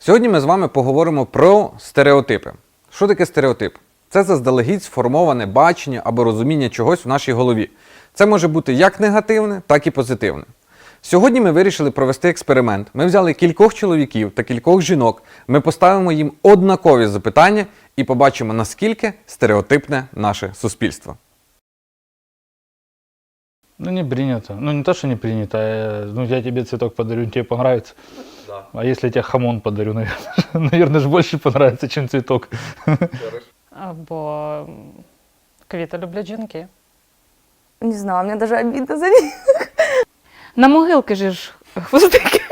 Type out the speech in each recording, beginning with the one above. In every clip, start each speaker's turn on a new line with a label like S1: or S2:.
S1: Сьогодні ми з вами поговоримо про стереотипи. Що таке стереотип? Це заздалегідь сформоване бачення або розуміння чогось в нашій голові. Це може бути як негативне, так і позитивне. Сьогодні ми вирішили провести експеримент. Ми взяли кількох чоловіків та кількох жінок, ми поставимо їм однакові запитання і побачимо, наскільки стереотипне наше суспільство.
S2: Ну, не принято. Ну, не то, что не принято, а я тебе цветок подарю, тебе понравится.
S1: Да.
S2: А если я тебе хамон подарю, наверное, же больше понравится, чем цветок.
S3: Бо квіти люблять жінки.
S4: Не знаю, мне даже обидно за них.
S3: На могилки ж хвостики.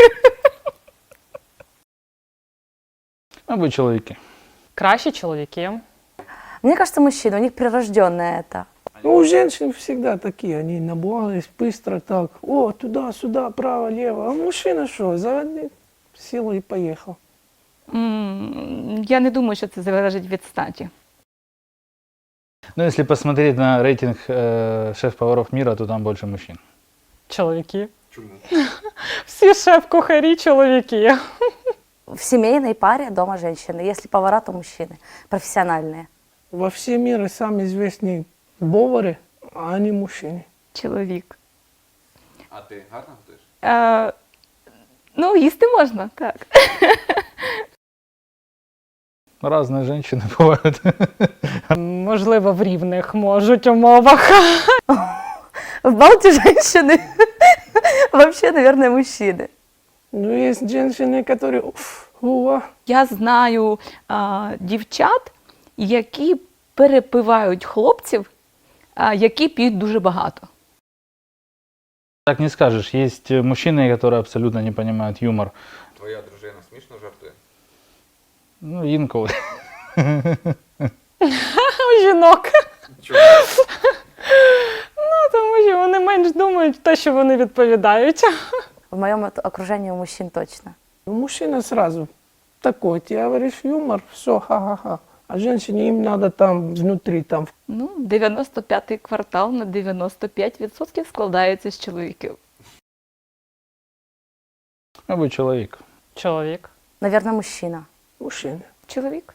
S2: Мабуть, чоловіки.
S3: Кращі чоловіки.
S4: Мне кажется, мужчины, у них прирожденное это.
S5: Ну, у женщин всегда такие, они набухались быстро так, о, туда-сюда, право-лево, а мужчина что, заводил силу и поехал.
S6: Я не думаю, що це залежить від статі.
S2: Ну, если посмотреть на рейтинг шеф-поваров мира, то там больше мужчин.
S3: Чоловіки. Чому? Всі шеф-кухарі чоловіки.
S4: В семейной паре дома женщины, если повара, то мужчины, профессиональные.
S5: Во все миры самые известные повары, а они мужчины.
S6: Чоловік.
S1: А ти гарно готуєш?
S6: Ну, їсти можна, так.
S2: Разные женщины бывают.
S3: Можливо, в рівних можуть умовах.
S4: В Балте женщины вообще, наверное, мужчины.
S5: Ну, есть женщины, которые,
S6: Я знаю дівчат, які перепивають хлопців, які п'ють дуже багато.
S2: Так не скажешь. Есть мужчины, которые абсолютно не понимают юмор.
S1: Твоя дружина смішно жартує?
S2: Ну, інколи.
S3: У жінок.
S1: Чому?
S3: Ну, тому що вони менш думають те, що вони відповідають.
S4: В моем окружении у мужчин точно.
S5: мужчина сразу такой, ты говоришь юмор, все, ха-ха-ха. А женщине им надо там внутри, там.
S6: Ну, 95-й квартал на 95% складається з чоловіків.
S2: Мабуть, чоловік.
S3: Чоловік.
S4: Наверное, мужчина.
S5: Мужчины.
S6: Чоловік.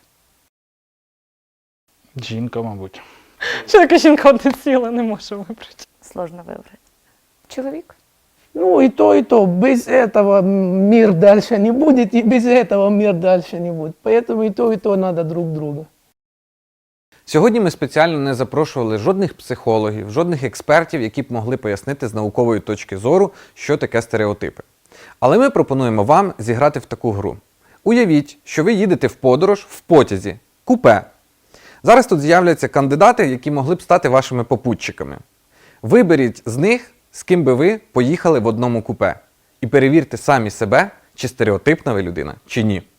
S2: Жінка, мабуть.
S3: Чоловік і жінка одне ціле не може вибрати.
S4: Сложно выбрать.
S6: Чоловік.
S5: Ну, и то. Без этого мир дальше не будет, и без этого мир дальше не будет. Поэтому и то надо друг друга.
S1: Сьогодні ми спеціально не запрошували жодних психологів, жодних експертів, які б могли пояснити з наукової точки зору, що таке стереотипи. Але ми пропонуємо вам зіграти в таку гру. Уявіть, що ви їдете в подорож в потязі, купе. Зараз тут з'являться кандидати, які могли б стати вашими попутчиками. Виберіть з них, з ким би ви поїхали в одному купе. І перевірте самі себе, чи стереотипна ви людина, чи ні.